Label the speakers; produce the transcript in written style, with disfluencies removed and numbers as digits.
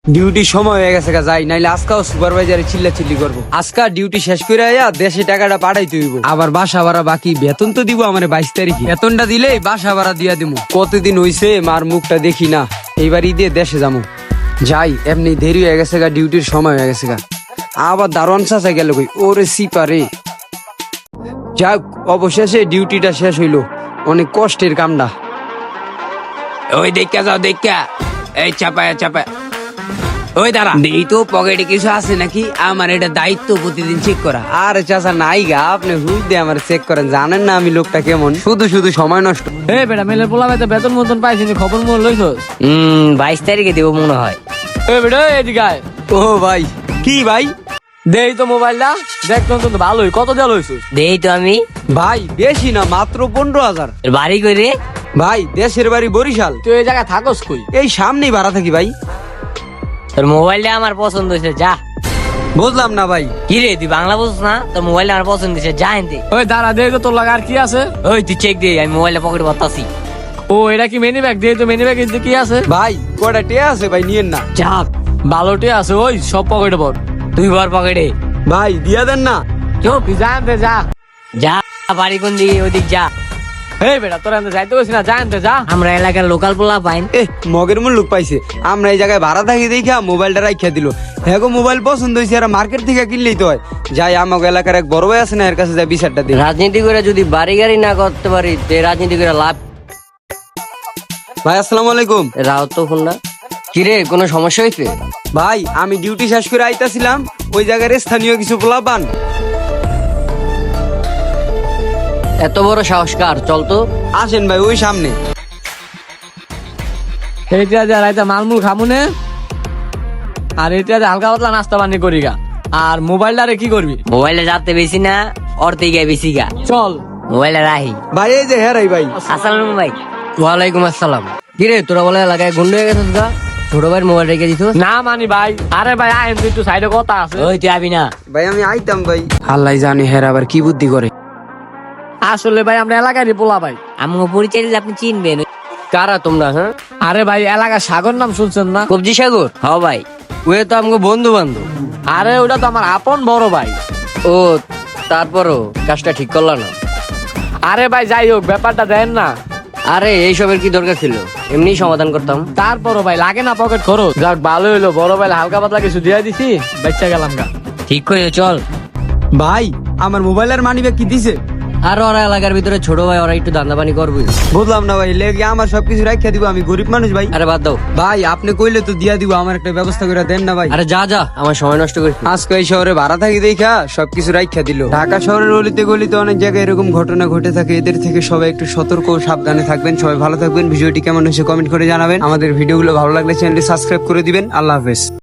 Speaker 1: Duty সময় হয়ে গেছে যাই, নাইলে আজকাও সুপারভাইজারে চিল্লাচিল্লি করবো। আজকা ডিউটি শেষ করে আয়া দেশে টাকাটা পাঠাইতে হইব। আবার বাসা ভাড়া বাকি, বেতন তো দিব আমার 22 তারিখে। বেতনটা দিলেই বাসা ভাড়া দিয়া দিব। কতদিন হইছে মার মুখটা দেখি না, এইবার ঈদে দেশে যাবো। যাই, এমনি দেরি হয়ে গেছে গা, ডিউটির সময় হয়ে গেছে গা। আবার দারোয়ান চাচা গেল কই, ওরে সিপারে। যাক, অবশেষে ডিউটিটা শেষ হইলো। অনেক কষ্টের কামটা। ওই দেখা যাও, দেখা এই চাপায়া চাপা। ওই দাঁড়া, এই তো পকেটে কিছু আছে নাকি, আমার এটা দায়িত্ব প্রতিদিন চেক করা। আরে চাচা নাই গা, আপনি হুইল দিয়ে আমার চেক করেন, জানেন না আমি লোকটা কেমন, শুধু শুধু সময় নষ্ট।
Speaker 2: এই বেটা মেলে পোলাবে তো বেতন মতন পাইছিস, খবর মন লইছস?
Speaker 3: 22 তারিখে দেবো মনে হয়।
Speaker 2: এই বেটা এদিকে আয়।
Speaker 1: ও ভাই, কি ভাই?
Speaker 2: দেই তো মোবাইলটা, দেখ তো ভালোই, কত দেওয়া লইছস?
Speaker 3: দেই তো আমি।
Speaker 1: ভাই বেশি না, মাত্র 15,000।
Speaker 3: তোর বাড়ি কই রে?
Speaker 1: ভাই দেশের বাড়ি বরিশাল।
Speaker 2: তুই এই জায়গায় থাকস কই?
Speaker 1: এই সামনেই ভাড়া থাকি ভাই।
Speaker 3: তোর মোবাইলটা আমার পছন্দ হয়েছে, যা।
Speaker 1: বুঝলাম না ভাই।
Speaker 3: কি রে, তুই বাংলা বুঝছ না? তোর মোবাইলটা আমার পছন্দ হয়েছে, যা এনতে।
Speaker 2: ওই দাঁড়া, দেই তো তোর লাগা আর কি আছে?
Speaker 3: ওই তুই চেক দে, আমি মোবাইলটা পকেটে ভরতাছি।
Speaker 2: ও এটা কি মিনি ব্যাগ? দেই তো মিনি ব্যাগ কি আছে?
Speaker 1: ভাই কয়টা টিয়া আছে ভাই, নিয়েন না।
Speaker 3: যা,
Speaker 2: ভালোটি আছে, ওই সব পকেটে ভর।
Speaker 3: তুই ভর পকেটে।
Speaker 1: ভাই দিয়া দেন না।
Speaker 3: চুপ,
Speaker 2: তুই জানতে যা।
Speaker 3: যা। বাড়ি কোন দিকে? ওদিক যা।
Speaker 2: এই বেটা তোর এনতে যাইতে কইছিস না, জানতে যা।
Speaker 3: আমরা এলাকার লোকাল পোলা পাইন।
Speaker 1: মগের মূল লোক পাইছে, আমরা এই জায়গায় ভাড়া থাকি দেখা মোবাইলটা রাখিয়া দিল। হ্যাঁ গো, মোবাইল পছন্দ হয়েছে, আর মার্কেট থেকে কিনলেই তো হয়। যাই, আমাকে এলাকার এক বড় ভাই আছে না, এর কাছে যাই বিচারটা দিই।
Speaker 3: রাজনীতি করে যদি বাড়ি গাড়ি না করতে পারি, তে রাজনীতি করে লাভ।
Speaker 1: ভাই আসসালামু আলাইকুম।
Speaker 3: রাও তো ফোন না। কিরে, কোনো সমস্যা হয়েছে?
Speaker 1: ভাই আমি ডিউটি শেষ করে আইতাছিলাম, ওই জায়গার স্থানীয় কিছু পোলাপান।
Speaker 3: এত বড় সাহস কার? চল তো।
Speaker 1: আসেন ভাই, ওই সামনে।
Speaker 2: এইটা যা রাইতা মালমুল খামুনে, আর এটা যে হালকা পাতলা নাস্তা পানি করি গা। আর মোবাইলটা রে কি করবি?
Speaker 3: মোবাইলে যাতে বেশি না, অর্থে গিয়ে বেশি গা।
Speaker 2: চল।
Speaker 3: মোবাইলে রাহি।
Speaker 1: ভাই এই যে হেরাই ভাই।
Speaker 3: আসসালাম ভাই। ওয়ালাইকুম আসসালাম। কিরে, তোরা বলে এলাকায় গুন্ড হয়ে গেছিস গা? ছোট ভাইয়ের মোবাইল রেখে দিত
Speaker 2: না মানি ভাই। আরে ভাই আইন তুই একটু সাইডে কথা আছে।
Speaker 3: ওই তুই আবি না।
Speaker 1: ভাই আমি আইতাম ভাই। আল্লাহ জানি হেরা আবার কি বুদ্ধি করে।
Speaker 2: আসলে ভাই আমরা এলাকারই পোলা ভাই।
Speaker 3: আমাকে পরিচয় দিলে আপনি চিনবেন। কারা তোমরা? হ্যাঁ,
Speaker 2: আরে ভাই এলাকার সাগর নাম শুনছেন না?
Speaker 3: কবজি সাগর। হ ভাই, ওয়ে তো আমাকে বন্ধু বান্ধব।
Speaker 2: আরে ওটা তো আমার আপন বড় ভাই।
Speaker 3: ও, তারপরও কাজটা ঠিক করলা না?
Speaker 2: আরে ভাই যাই হোক, ব্যাপারটা দেন না।
Speaker 3: আরে এইসবের কি দরকার ছিল? এমনি সমাধান করতাম।
Speaker 2: তারপরও ভাই লাগে না পকেট খরচ। যাক ভালো হইলো, বড় ভাই হালকা পাতলা কিছু দিয়ে দিছি, বাচ্চা গেলাম গা।
Speaker 3: ঠিক করে চল।
Speaker 1: ভাই আমার মোবাইলের মানি ব্যাগ কি দিছে?
Speaker 3: আর ওরা এলাকার ভিতরে ছোট ভাই, ওরা একটু দান্দা পানি করবে।
Speaker 1: বুঝলাম না ভাই, লেগে আমার সবকিছু রাখিয়া দিব, আমি গরিব মানুষ ভাই।
Speaker 3: আরে বাদ দাও
Speaker 1: ভাই আপনি কইলে তো দিয়া দিব, আমার একটা ব্যবস্থা করে দেন না ভাই।
Speaker 3: আরে যা যা, আমার সময় নষ্ট করিস না।
Speaker 1: আজকে এই শহরে ভাড়া থাকি দেখা সবকিছু রাখিয়া দিল। ঢাকা শহরের অলিতে গলিতে অনেক জায়গায় এরকম ঘটনা ঘটে থাকে, এদের থেকে সবাই একটু সতর্ক ও সাবধানে থাকবেন। সবাই ভালো থাকবেন। ভিডিওটি কেমন হয়েছে কমেন্ট করে জানাবেন। আমাদের ভিডিওগুলো ভালো লাগলে চ্যানেলটি সাবস্ক্রাইব করে দিবেন। আল্লাহ হাফেজ।